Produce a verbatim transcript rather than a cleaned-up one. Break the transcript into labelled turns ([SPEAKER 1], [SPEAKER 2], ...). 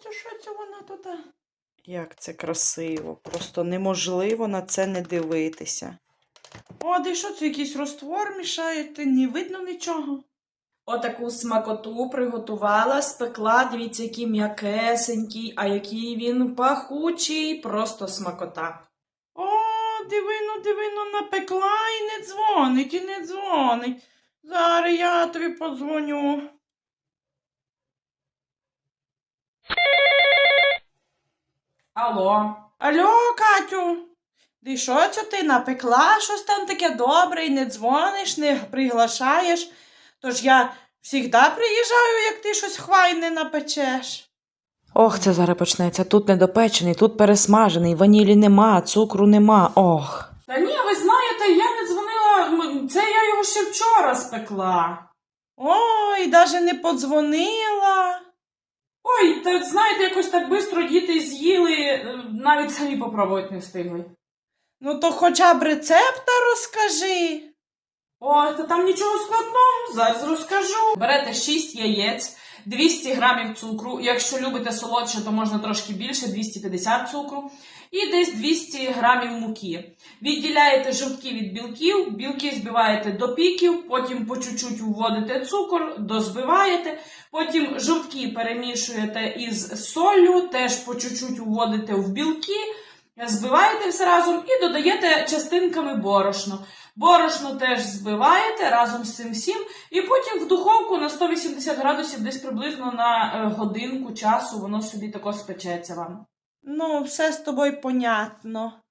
[SPEAKER 1] це, що це вона тут? Як це красиво. Просто неможливо на це не дивитися. О, де що це якийсь розтвор мішаєте? Не видно нічого. Отаку смакоту приготувала, спекла. Дивіться, який м'якесенький, а який він пахучий. Просто смакота. О, дивино, дивино, напекла і не дзвонить, і не дзвонить. Зараз я тобі подзвоню. Алло. Алло, Катю. Ти що це ти напекла щось там таке добре і не дзвониш, не приглашаєш? Тож я завжди приїжджаю, як ти щось хвайне напечеш. Ох, це зараз почнеться. Тут недопечений, тут пересмажений, ванілі нема, цукру нема. Ох. Та ні, ви знаєте, я не дзвонила, це я його ще вчора спекла. Ой, навіть не подзвонила. Ой, та знаєте, якось так швидко діти з'їли, навіть самі попробувати не встигли. Ну то хоча б рецепта розкажи. Ой, та там нічого складного, зараз розкажу. Берете шість яєць, двісті грамів цукру, якщо любите солодше, то можна трошки більше, двісті п'ятдесят цукру, і десь двісті грамів муки. Відділяєте жовтки від білків, білки збиваєте до піків, потім по чуть-чуть вводите цукор, дозбиваєте, потім жовтки перемішуєте із соллю, теж по чуть-чуть вводите в білки, збиваєте все разом і додаєте частинками борошно. Борошно теж збиваєте разом з цим всім і потім в духовку на сто вісімдесят градусів десь приблизно на годинку часу воно собі тако спечеться вам. Ну, все з тобою понятно.